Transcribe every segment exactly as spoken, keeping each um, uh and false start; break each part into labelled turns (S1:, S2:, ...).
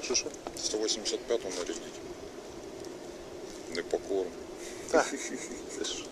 S1: Що що?
S2: сто вісімдесят п'яту на рівні. Непокорно.
S1: Так. Це ж.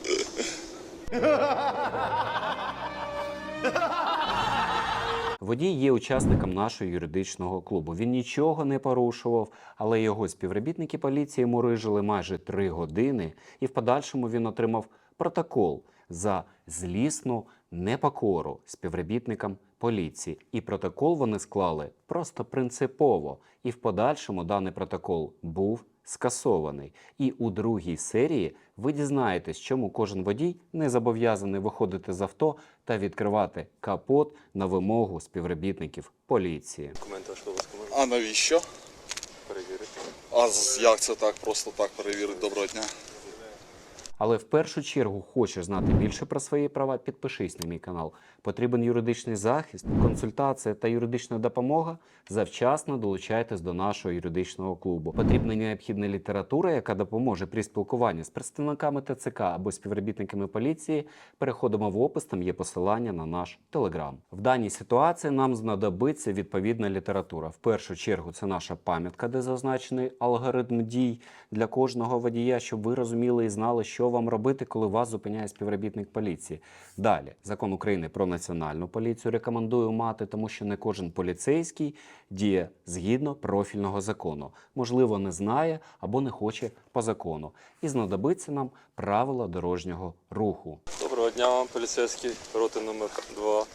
S3: Водій є учасником нашого юридичного клубу. Він нічого не порушував, але його співробітники поліції мурижили майже три години, і в подальшому він отримав протокол за злісну непокору співробітникам поліції. І протокол вони склали просто принципово. І в подальшому даний протокол був скасований. І у другій серії ви дізнаєтесь, чому кожен водій не зобов'язаний виходити з авто та відкривати капот на вимогу співробітників поліції.
S1: Документи вашого обов'язку можна
S2: А навіщо?
S1: перевірити.
S2: А з- як це так, просто так перевірити? Доброго дня.
S3: Але в першу чергу хочеш знати більше про свої права, підпишись на мій канал. Потрібен юридичний захист, консультація та юридична допомога? Завчасно долучайтесь до нашого юридичного клубу. Потрібна необхідна література, яка допоможе при спілкуванні з представниками Т Ц К або співробітниками поліції. Переходимо в опис, там є посилання на наш телеграм. В даній ситуації нам знадобиться відповідна література. В першу чергу це наша пам'ятка, де зазначений алгоритм дій для кожного водія, щоб ви розуміли і знали, що вам робити, коли вас зупиняє співробітник поліції. Далі, закон України про національну поліцію рекомендую мати, тому що не кожен поліцейський діє згідно профільного закону. Можливо, не знає або не хоче по закону. І знадобиться нам правила дорожнього руху.
S1: Доброго дня вам, поліцейський, роти номер два.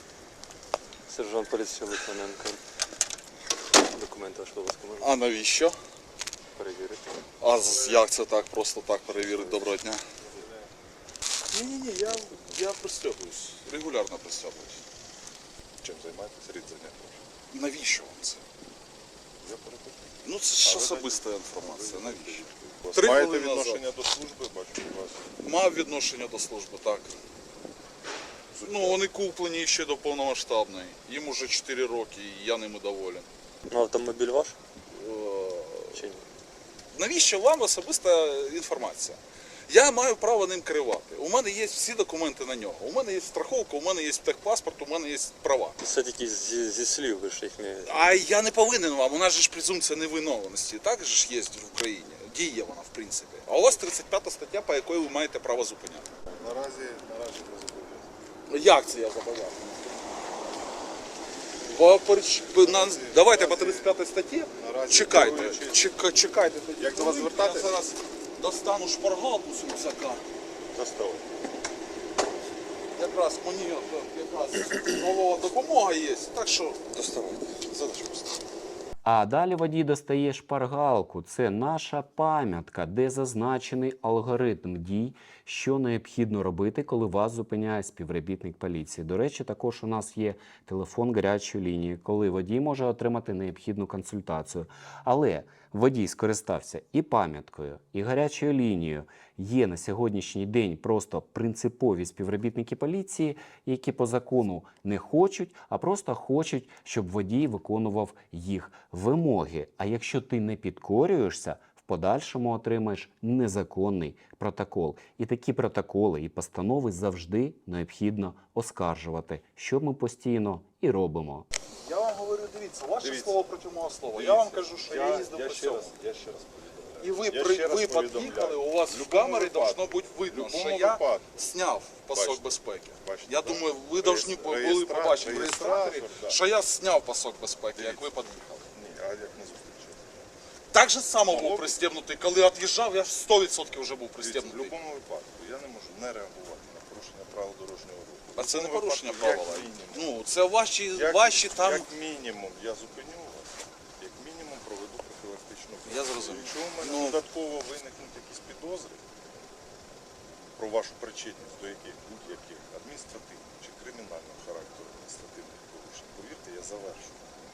S1: Сержант поліції Литвиненко. Документи вашого обов'язку можна
S2: А навіщо?
S1: перевірити.
S2: А з- як це так, просто так перевірити? Доброго дня. Ні-ні-ні, я, я пристягуюсь. Регулярно пристягуюсь.
S4: Чим займаєтесь? Рід заняття.
S2: Навіщо вам це?
S4: Я перепитую.
S2: Ну це ж
S4: А ви
S2: особиста інформація. Навіщо?
S4: У вас
S2: Три
S4: маєте
S2: хвилини назад.
S4: відношення до служби, бачу, у вас.
S2: Мав відношення до служби, так. Ну, вони куплені ще до повномасштабної. Їм уже чотири роки, і я ними доволен.
S1: Ну, автомобіль ваш?
S2: Е,
S1: Чи ні?
S2: Навіщо вам особиста інформація? Я маю право ним керувати. У мене є всі документи на нього. У мене є страховка, у мене є техпаспорт, у мене є права.
S1: Це тільки зі, зі слів, ви ж їх не...
S2: А я не повинен вам. У нас же ж презумпція невиновності. Так же ж є в Україні. Діє вона, в принципі. А у вас тридцять п'ята стаття, по якої ви маєте право зупиняти.
S4: Наразі, наразі не зобов'язаний.
S2: Як це я зобов'язаний? По, по, на, давайте по тридцять п'ятій статті.
S4: Наразі
S2: Чекайте,
S4: керуючий-
S2: чека, чекайте. тоді.
S4: Як до вас звертатись?
S2: Я зараз достану шпаргалку з рюкзака.
S4: Доставай.
S2: Якраз мені от, якраз нова допомога є. Так що
S4: Доставайте. Задачу поставити.
S3: А далі водій достає шпаргалку. Це наша пам'ятка, де зазначений алгоритм дій, що необхідно робити, коли вас зупиняє співробітник поліції. До речі, також у нас є телефон гарячої лінії, коли водій може отримати необхідну консультацію. Але водій скористався і пам'яткою, і гарячою лінією. Є на сьогоднішній день просто принципові співробітники поліції, які по закону не хочуть, а просто хочуть, щоб водій виконував їх вимоги. А якщо ти не підкорюєшся, в подальшому отримаєш незаконний протокол. І такі протоколи і постанови завжди необхідно оскаржувати, що ми постійно і робимо.
S2: я вам говорю, дивіться, ваше
S4: Дивіться.
S2: слово проти мого слова.
S4: Дивіться,
S2: Я вам кажу, що я,
S4: я,
S2: їздив
S4: я
S2: по
S4: ще
S2: цьому.
S4: раз, я ще раз повідомляю.
S2: І ви,
S4: Я
S2: при,
S4: ще раз
S2: ви
S4: повідомляю.
S2: під'їхали, у вас
S4: В
S2: в камері
S4: любому
S2: должно
S4: випадку.
S2: бути видно,
S4: В
S2: що
S4: любому
S2: я
S4: випадку.
S2: зняв пасок
S4: Бачите.
S2: безпеки.
S4: Бачите,
S2: Я
S4: да?
S2: думаю, ви повинні були
S4: Реєстра-
S2: побачити в
S4: реєстратор,
S2: реєстраторі,
S4: да.
S2: що я зняв пасок безпеки, як ви
S4: Дивіться.
S2: під'їхали.
S4: Ні, а як не зустрічати?
S2: Так же само був
S4: Могло б-
S2: пристебнутий. Коли від'їжджав, я сто відсотків вже був
S4: Дивіться, в
S2: пристебнутий.
S4: будь-якому випадку я не можу не реагувати на порушення правил дорожнього руху. В
S2: А це не
S4: будь-якому
S2: порушення
S4: випадку,
S2: правила.
S4: Як мінімум,
S2: Ну, це ваші,
S4: як,
S2: ваші там...
S4: як мінімум я зупиню вас, як мінімум проведу профілактичну операцію.
S2: Я зрозумів.
S4: Якщо у мене
S2: Ну-
S4: додатково виникнуть якісь підозри про вашу причетність до яких будь-яких адміністративних чи кримінального характеру адміністративних порушень, повірте, я завершу.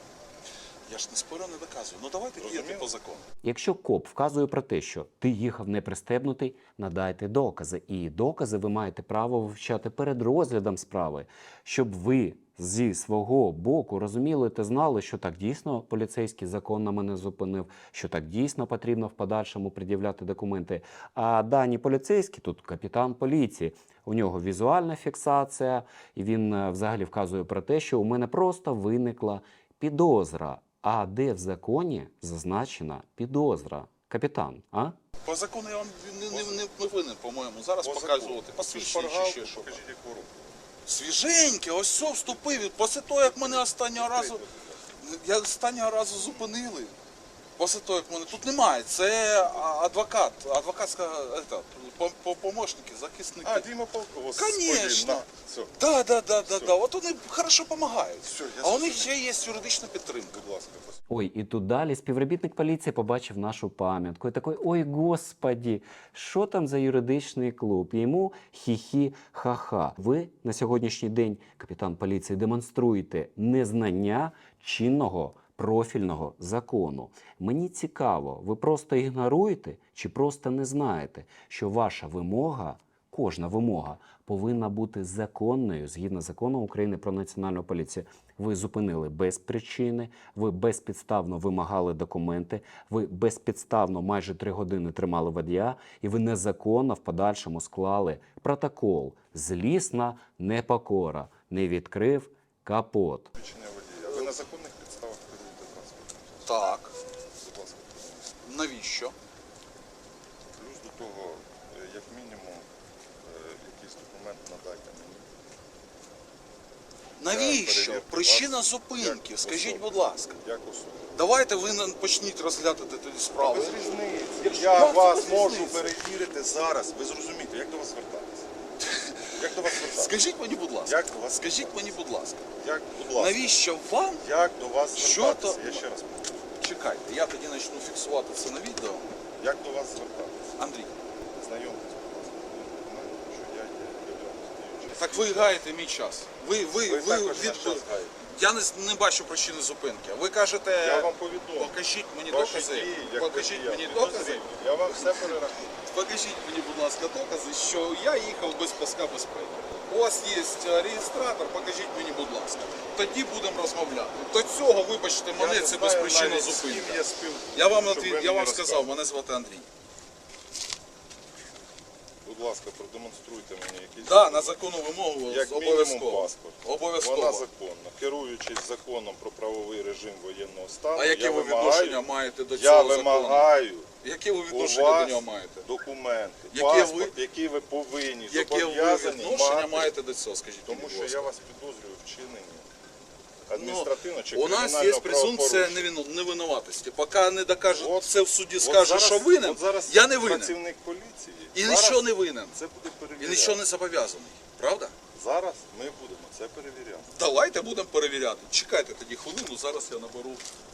S2: Я ж не спорю, не доказую. Ну давайте діяти
S4: Розуміло?
S2: по закону.
S3: Якщо коп вказує про те, що ти їхав не пристебнутий, надайте докази. І докази ви маєте право вивчати перед розглядом справи, щоб ви зі свого боку розуміли та знали, що так дійсно поліцейський законно мене зупинив, що так дійсно потрібно в подальшому пред'являти документи. А дані поліцейські, тут капітан поліції, у нього візуальна фіксація, і він е, взагалі вказує про те, що у мене просто виникла підозра. А де в законі зазначена підозра? Капітан, а?
S2: По закону я вам не, не, не, не винен, по-моєму. Зараз
S4: По
S2: показувати.
S4: закону.
S2: Посвідчення чи
S4: Шпаргалку,
S2: ще що.
S4: покажіть, яку руку.
S2: Свіженьке, ось все вступив. Після того, як мене останнього разу. Я останнього разу зупинили. Після того, як мене тут немає. Це а, адвокат, адвокатська ета, по- по- помощники, захисники.
S4: А, Діма Полкова. з
S2: Конечно.
S4: Полін, на, все,
S2: Да, да, да, да,
S4: Все.
S2: да. От вони хорошо допомагають.
S4: Все, я
S2: А у них
S4: зрозумів.
S2: ще є юридична підтримка.
S4: будь ласка.
S3: Ой, і тут далі співробітник поліції побачив нашу пам'ятку і такий, ой, господі, що там за юридичний клуб? І йому хі-хі, ха-ха. Ви на сьогоднішній день, капітан поліції, демонструєте незнання чинного профільного закону. Мені цікаво, ви просто ігноруєте чи просто не знаєте, що ваша вимога, кожна вимога, повинна бути законною згідно закону України про національну поліцію. Ви зупинили без причини, ви безпідставно вимагали документи, ви безпідставно майже три години тримали водія, і ви незаконно в подальшому склали протокол. Злісна непокора. Не відкрив капот.
S4: Свідчення водія. Ви на законних підставах керуєте транспортом.
S2: Так.
S4: Будь ласка.
S2: Навіщо?
S4: Плюс до того, е, як мінімум, е, якийсь документ надайте мені.
S2: Навіщо?
S4: перевірте
S2: Причина
S4: вас
S2: зупинки.
S4: як
S2: Скажіть,
S4: особу.
S2: будь ласка.
S4: Як особу.
S2: Давайте ви нам почніть розглядати тоді справи.
S4: Без різниці.
S2: Якщо-
S4: Я
S2: як це
S4: вас
S2: без
S4: можу
S2: різниці?
S4: перевірити зараз. Ви зрозумієте, як до вас звертатися? Як до вас звертатися?
S2: Скажіть мені, будь ласка.
S4: Як до вас
S2: Скажіть
S4: звертатися?
S2: мені, будь ласка.
S4: Як, будь ласка.
S2: Навіщо вам?
S4: Як до вас
S2: Що
S4: звертатися?
S2: то-
S4: Я ще раз повторю.
S2: Чекайте, я тоді почну фіксувати це на відео.
S4: Як до вас звертатися?
S2: Андрій,
S4: Знайомтесь, будь ласка, з документом, що я є являюсь діючим.
S2: так ви гаєте мій час. Ви, ви,
S4: Ви
S2: ви,
S4: також
S2: від...
S4: наш час гаєте.
S2: Я не, не бачу причини зупинки. Ви кажете,
S4: Я вам повідомлю.
S2: покажіть мені
S4: Ваші
S2: докази.
S4: дії, як
S2: Покажіть
S4: водія,
S2: мені
S4: підозрілі.
S2: докази.
S4: Я вам все перерахую.
S2: Покажіть мені, будь ласка, докази, що я їхав без паска безпеки. У вас є е, реєстратор, покажіть мені, будь ласка. Тоді будемо розмовляти. До цього, вибачте, мене
S4: Я не
S2: це
S4: знаю
S2: безпричинна
S4: навіть, з ким
S2: зупинка.
S4: я спілкуюся,
S2: Я вам,
S4: щоб
S2: отві-
S4: ви
S2: я
S4: мені
S2: вам сказав,
S4: розказували.
S2: мене звати Андрій.
S4: Будь ласка, продемонструйте мені якийсь
S2: Так, на
S4: документ.
S2: законну вимогу
S4: Як мінімум
S2: обов'язково.
S4: паспорт.
S2: Обов'язково.
S4: Вона законна. Керуючись законом про правовий режим воєнного стану,
S2: А яке
S4: я
S2: ви
S4: вимагаю,
S2: відношення маєте до
S4: я
S2: цього закону?
S4: вимагаю
S2: Яке ви
S4: у
S2: відношення
S4: вас
S2: до нього маєте?
S4: документи,
S2: Яке
S4: паспорт, який ви повинні,
S2: Яке ви
S4: зобов'язані
S2: відношення
S4: мати,
S2: маєте до цього, скажіть
S4: тому
S2: мені,
S4: що
S2: будь
S4: я
S2: ласка.
S4: вас підозрюю в вчиненні адміністративно чи
S2: У нас є
S4: кримінального
S2: презумпція
S4: правопорушення.
S2: невину- невинуватості. Поки не докажуть
S4: От-
S2: це в суді,
S4: От
S2: скаже,
S4: зараз-
S2: що винен,
S4: от зараз
S2: я не винен.
S4: працівник поліції.
S2: І
S4: зараз
S2: нічого не винен.
S4: Це буде
S2: І
S4: перевіряти.
S2: нічого не зобов'язаний. Правда?
S4: Зараз ми будемо це перевіряти.
S2: Давайте будемо перевіряти. Чекайте тоді хвилину, зараз я наберу.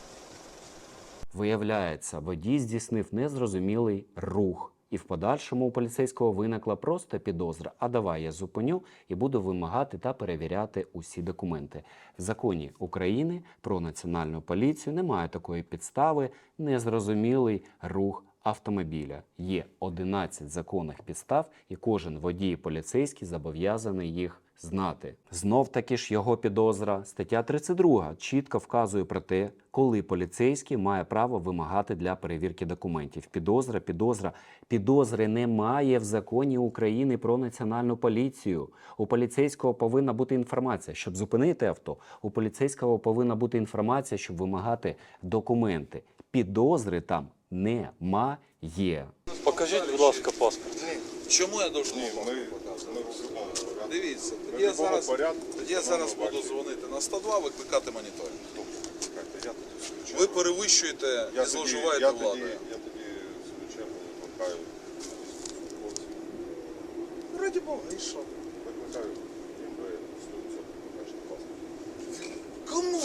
S3: Виявляється, водій здійснив незрозумілий рух. І в подальшому у поліцейського виникла просто підозра. А давай я зупиню і буду вимагати та перевіряти усі документи. В законі України про національну поліцію немає такої підстави незрозумілий рух автомобіля. Є одинадцять законних підстав, і кожен водій і поліцейський зобов'язаний їх знати. Знов таки ж його підозра. Стаття тридцять друга чітко вказує про те, коли поліцейський має право вимагати для перевірки документів. Підозра, підозра. Підозри немає в законі України про національну поліцію. У поліцейського повинна бути інформація, щоб зупинити авто. У поліцейського повинна бути інформація, щоб вимагати документи. Підозри там немає.
S1: Покажіть, будь ласка, паспорт.
S2: Чому я должен
S4: Ні,
S2: вам
S4: ми,
S2: показувати?
S4: ми в будь-якому порядку.
S2: Дивіться,
S4: Ми
S2: тоді я
S4: в будь-якому
S2: зараз,
S4: порядку
S2: тоді я
S4: будемо
S2: зараз буду
S4: бачити.
S2: дзвонити на сто два, викликати моніторинг.
S4: Добре, чекайте, я тоді в свою
S2: Ви
S4: чергу-
S2: перевищуєте
S4: я
S2: і
S4: тоді-
S2: зловживаєте
S4: я тоді-
S2: владою.
S4: Я тоді в свою чергу викликаю військовослужбовців.
S2: Раді Бога, і що?
S4: Викликаю, їм ви сто відсотків покажете паспорт.
S2: Кому?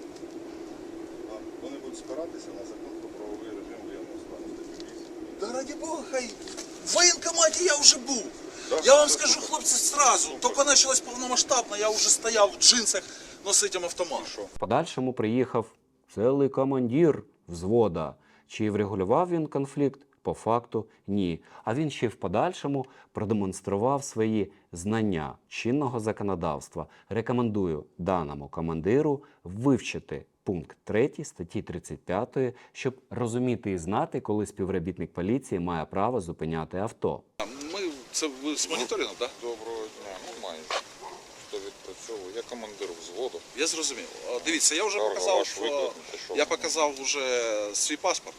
S4: А Вони будуть спиратися на закон про правовий режим воєнного стану. статтю вісім.
S2: Да раді Бога, хай. В воєнкоматі я вже був.
S4: Да?
S2: Я вам
S4: Це
S2: скажу,
S4: супер.
S2: хлопці, сразу.
S4: Супер.
S2: Тільки почалось повномасштабно, я вже стояв в джинсах, носитим автомат.
S4: І що?
S3: В подальшому приїхав цілий командир взвода. Чи врегулював він конфлікт? По факту ні. А він ще й в подальшому продемонстрував свої знання чинного законодавства. Рекомендую даному командиру вивчити пункт третій статті тридцять п'ятої, щоб розуміти і знати, коли співробітник поліції має право зупиняти авто.
S2: Ми, це ви з моніторингом, так?
S5: Доброго дня, ну майже. Хто відпрацьовує? Як
S4: командир взводу.
S2: Я зрозумів. О, Дивіться, я вже
S4: Карга,
S2: показав,
S4: ваш
S2: що
S4: виклик, ну, що?
S2: я показав вже свій паспорт.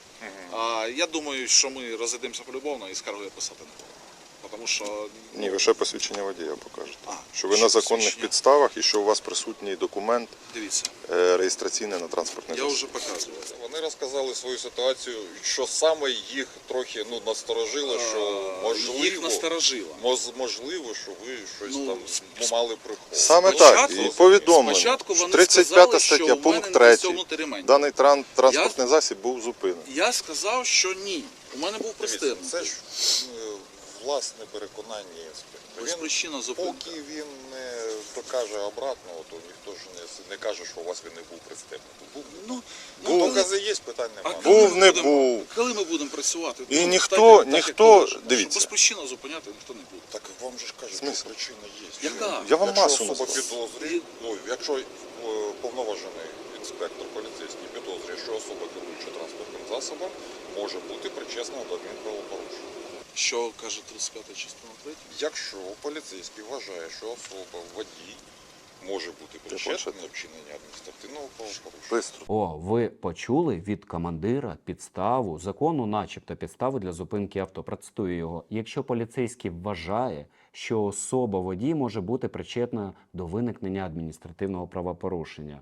S2: А я думаю, що ми розійдемося полюбовно і скаргу я писати не буду. Тому що
S4: Ні, ви ще посвідчення водія покажете.
S2: А,
S4: Що ви
S2: ще
S4: на законних
S2: посвідчення.
S4: підставах і що у вас присутній документ
S2: дивіться,
S4: е, реєстраційний на транспортний
S2: я
S4: засіб.
S2: вже показував.
S5: Вони розказали свою ситуацію, що саме їх трохи ну, насторожило, що
S2: А,
S5: можливо,
S2: їх насторожило.
S5: моз- можливо, що ви щось
S2: Ну,
S5: там
S2: сп-
S5: мали приховувати.
S4: Саме
S2: Спочатку-
S4: так, і повідомлено.
S2: Спочатку вони
S4: тридцять
S2: сказали,
S4: п'ята
S2: що
S4: стаття,
S2: в мене
S4: пункт
S2: не
S4: третій.
S2: пристебнутий ремень.
S4: Даний тран- транспортний засіб був зупинений.
S2: Я сказав, що ні. У мене був
S5: Дивіться,
S2: пристебнутий.
S5: це ж е, власне переконання інспектора.
S2: Ось
S5: Він,
S2: причина зупинки.
S5: поки він не докаже обратного, то ніхто ж не, не каже, що у вас він не був пристебнутий. Був.
S2: Ну,
S5: Ну,
S2: коли-
S5: докази є, питань
S2: а
S5: немає.
S2: коли
S4: Був,
S2: ми
S4: не
S2: будемо-
S4: був.
S2: Коли ми будемо працювати?
S4: І
S2: Ну,
S4: ніхто-
S2: так, як- так, як
S4: ніхто-
S2: положено.
S4: дивіться.
S2: Що безпричинно зупиняти ніхто не буде.
S5: Так вам же ж кажуть, що
S4: Смисл?
S5: причина є.
S2: Яка?
S4: Я вам
S5: Якщо
S4: масу
S5: особа
S4: назвав.
S5: підозрює, ну, якщо е, повноважений інспектор поліцейський підозрює, що особа керуюча транспортним засобом може бути причесна до адмінправопорушення.
S2: Що каже тридцять п'ята частина третя?
S5: Якщо поліцейський вважає, що особа водій може бути причетна до вчинення адміністративного правопорушення.
S4: Бистро.
S3: О, ви почули від командира підставу, закону, начебто підставу для зупинки авто. Процитую його. Якщо поліцейський вважає, що особа водій може бути причетна до виникнення адміністративного правопорушення.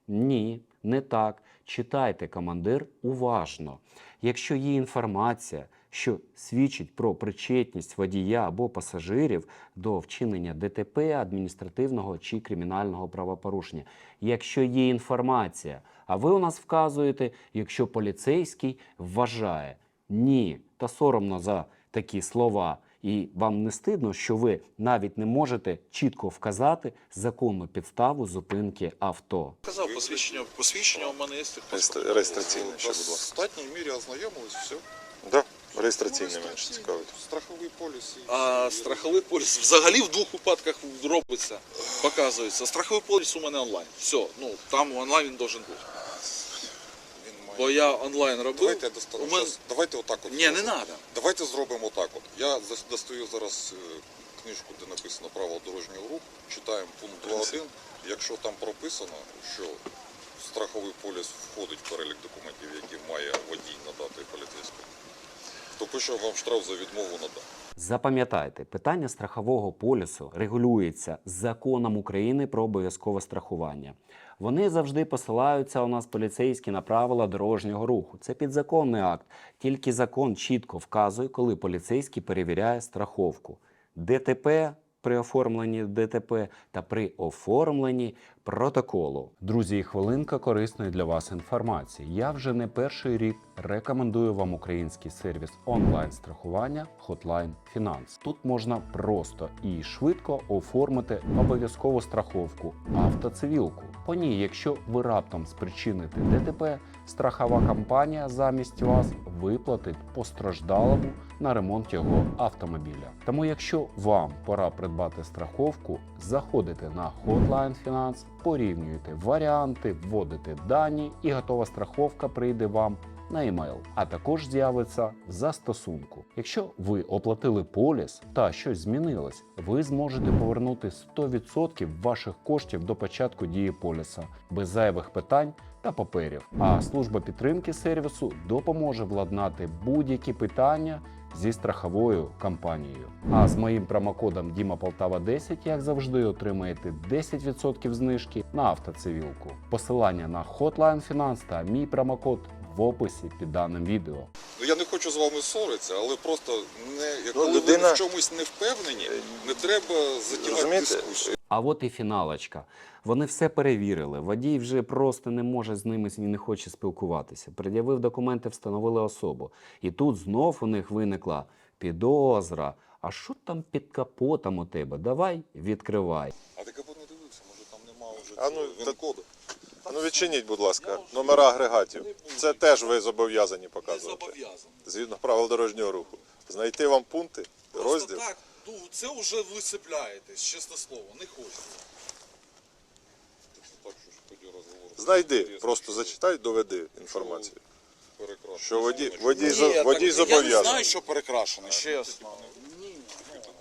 S3: Ні, не так. Читайте, командир, уважно. Якщо є інформація, що свідчить про причетність водія або пасажирів до вчинення ДТП, адміністративного чи кримінального правопорушення. Якщо є інформація, а ви у нас вказуєте, якщо поліцейський вважає. Ні, та соромно за такі слова. І вам не стидно, що ви навіть не можете чітко вказати законну підставу зупинки авто.
S2: Казав посвідчення, посвідчення у мене є.
S4: Реєстр- Реєстраційний ще,
S5: В
S4: будь ласка.
S5: достатній мірі ознайомились, все.
S4: Да? Реєстраційний менше цікавить.
S5: Страховий поліс. і
S2: А
S5: всі-
S2: страховий поліс взагалі в двох випадках робиться, показується. Страховий поліс у мене онлайн. Все, ну там онлайн він должен бути.
S5: Він має-
S2: Бо я онлайн робив.
S5: Давайте я достану.
S2: у мене-
S5: Щас- Давайте отак от.
S2: Ні, не
S5: зробимо.
S2: треба.
S5: Давайте зробимо так от. Я зас- достаю зараз е, книжку, де написано правила дорожнього руху, читаємо пункт два один. Якщо там прописано, що страховий поліс входить в перелік документів, які має водій надати поліцейському, то пише вам штраф за відмову надати.
S3: Запам'ятайте, питання страхового полісу регулюється законом України про обов'язкове страхування. Вони завжди посилаються у нас поліцейські на правила дорожнього руху. Це підзаконний акт. Тільки закон чітко вказує, коли поліцейський перевіряє страховку. ДТП при оформленні ДТП та при оформленні протоколу. Друзі, і хвилинка корисної для вас інформації. Я вже не перший рік рекомендую вам український сервіс онлайн-страхування Hotline Finance. Тут можна просто і швидко оформити обов'язкову страховку автоцивілку. По ній, якщо ви раптом спричините ДТП, страхова компанія замість вас виплатить постраждалому на ремонт його автомобіля. Тому якщо вам пора придбати страховку, заходите на Hotline Finance, порівнюєте варіанти, вводите дані і готова страховка прийде вам на емейл, а також з'явиться в застосунку. Якщо ви оплатили поліс та щось змінилось, ви зможете повернути сто відсотків ваших коштів до початку дії поліса без зайвих питань та паперів. А служба підтримки сервісу допоможе владнати будь-які питання зі страховою компанією. А з моїм промокодом Діма Полтава десять, як завжди, отримаєте десять відсотків знижки на автоцивілку. Посилання на Hotline Finance та мій промокод в описі під даним відео.
S5: Ну я не хочу з вами ссоритися, але просто не коли
S4: людина-
S5: ви в чомусь не впевнені, не треба затягати
S4: Розумієте?
S5: дискусію.
S3: А от і фіналочка. Вони все перевірили. Водій вже просто не може з ними і не хоче спілкуватися. Пред'явив документи, встановили особу. І тут знов у них виникла підозра. А що там під капотом у тебе? Давай, відкривай.
S5: А ти капот не дивився, може там нема вже
S4: А ну,
S5: цього
S4: та-
S5: він-коду.
S4: А ну відчиніть, будь ласка, номера агрегатів. Це теж ви зобов'язані
S2: Не
S4: показувати.
S2: зобов'язаний.
S4: Згідно правил дорожнього руху. Знайти вам пункти,
S2: Просто
S4: розділ.
S2: так, ну це вже ви цепляєтесь, чесне слово, не хочеться.
S5: Так, що ж тоді розговор.
S4: Знайди,
S5: Інтересно,
S4: просто
S5: що-
S4: зачитай, доведи інформацію.
S5: перекрашено.
S4: Що водій,
S5: Що
S4: водій,
S2: Ні,
S4: зо-
S2: так
S4: водій
S2: я не
S4: зобов'язаний.
S2: знаю, що перекрашено, чесно. Ні.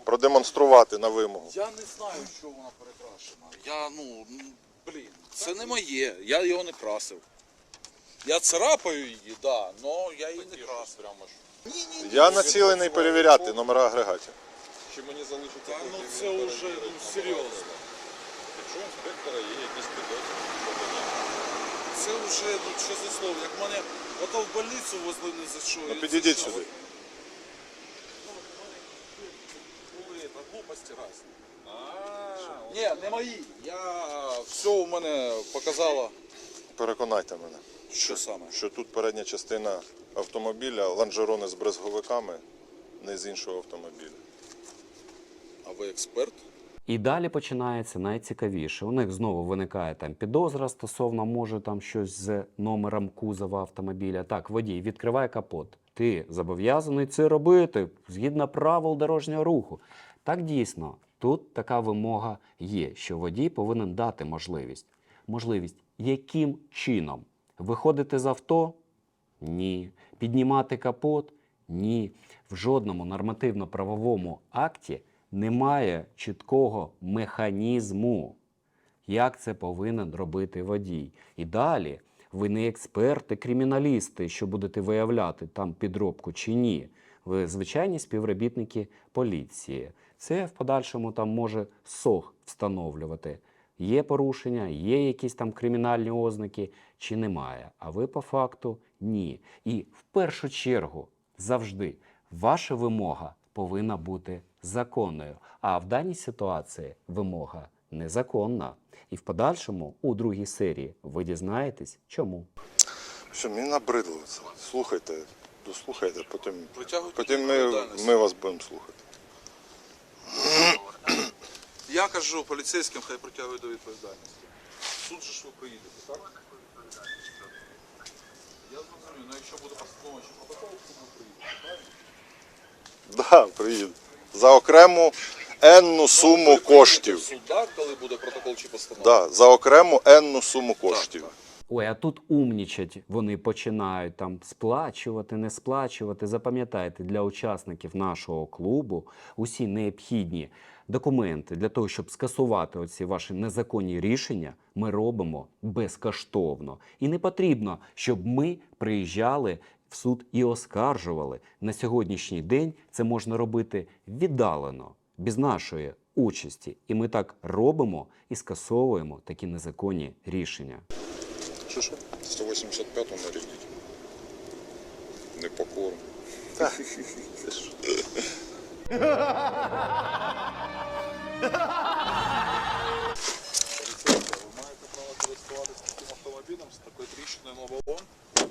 S4: продемонструвати на вимогу.
S2: Я не знаю, що вона перекрашена. Я, ну, м, блін, це не моє. Я його не красив. Я царапаю її, да, але я її не красив.
S5: Прямо ж.
S2: Ні, ні, ні.
S4: Я націлений перевіряти номера агрегатів.
S5: Чи мені залишиться
S2: Та, ну
S5: потім
S2: це
S5: він
S2: вже,
S5: перевірить,
S2: ну,
S5: що
S2: серйозно.
S5: буде. Якщо у інспектора є якісь підозри, що тоді?
S2: Це вже, ну, що за слово, як мене ото в больницю возили не за що.
S4: Ну
S2: і
S4: підійдіть
S2: за що.
S4: сюди.
S2: Ну, були та глупості разні. Ні, не мої. Я все у мене показало.
S4: Переконайте мене,
S2: Що саме?
S4: що тут передня частина автомобіля, лонжерони з брезговиками, не з іншого автомобіля.
S2: А ви експерт?
S3: І далі починається найцікавіше. У них знову виникає там підозра стосовно, може там щось з номером кузова автомобіля. Так, водій, відкривай капот. Ти зобов'язаний це робити згідно правил дорожнього руху. Так дійсно, тут така вимога є, що водій повинен дати можливість. Можливість яким чином? Виходити з авто? Ні. Піднімати капот? Ні. В жодному нормативно-правовому акті немає чіткого механізму, як це повинен робити водій. І далі ви не експерти, криміналісти, що будете виявляти там підробку чи ні. Ви звичайні співробітники поліції. Це в подальшому там може СОГ встановлювати. Є порушення, є якісь там кримінальні ознаки чи немає. А ви по факту ні. І в першу чергу завжди ваша вимога повинна бути законною. А в даній ситуації вимога незаконна. І в подальшому, у другій серії, ви дізнаєтесь, чому.
S4: Що, мені набридло це. Слухайте, дослухайте, потім,
S2: Притягуйте
S4: потім
S2: до
S4: ми,
S2: відповідальності.
S4: ми вас будемо слухати.
S2: Я кажу поліцейським, хай притягують до відповідальності. Суд же ж ви приїдете, так? Я зрозумів, ну якщо буде постанова чи протокол, то ми приїдемо, правильно?
S4: Так, да, приїду. За окрему енну суму коштів.
S2: Суд, так, коли буде протокол чи постанова?
S4: Да, за окрему енну суму коштів.
S2: Так,
S3: Ой, а тут умнічать вони починають там сплачувати, не сплачувати. Запам'ятайте, для учасників нашого клубу усі необхідні документи для того, щоб скасувати оці ваші незаконні рішення, ми робимо безкоштовно. І не потрібно, щоб ми приїжджали в суд і оскаржували. На сьогоднішній день це можна робити віддалено, без нашої участі. І ми так робимо і скасовуємо такі незаконні рішення.
S4: Що що?
S5: сто вісімдесят п'яту нарядіть. Непокорно.
S4: Це ж.
S2: Поліцейська, ви маєте право користуватися таким автомобілем з такою тріщиною на балон?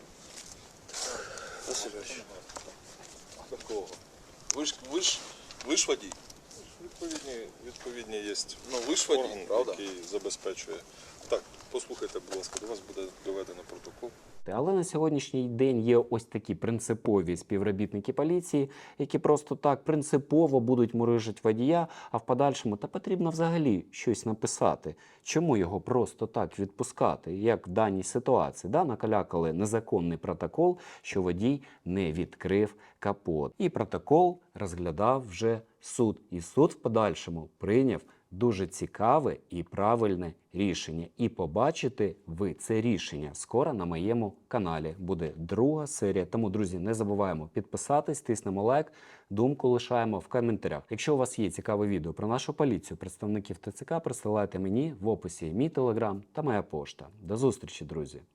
S4: Васильович.
S2: А такого? Ви ж, ви ж, ви ж водій?
S4: Відповідні, відповідні є
S2: Ну ви ж водій,
S4: орган,
S2: правда?
S4: який забезпечує. Так, послухайте, будь ласка, до вас буде доведено протокол.
S3: Але на сьогоднішній день є ось такі принципові співробітники поліції, які просто так принципово будуть мурижити водія, а в подальшому та потрібно взагалі щось написати. Чому його просто так відпускати, як в даній ситуації? Да, накалякали незаконний протокол, що водій не відкрив капот. І протокол розглядав вже суд. І суд в подальшому прийняв дуже цікаве і правильне рішення. І побачите ви це рішення скоро на моєму каналі. Буде друга серія. Тому, друзі, не забуваємо підписатись, тиснемо лайк, думку лишаємо в коментарях. Якщо у вас є цікаве відео про нашу поліцію, представників ТЦК, присилайте мені в описі мій телеграм та моя пошта. До зустрічі, друзі!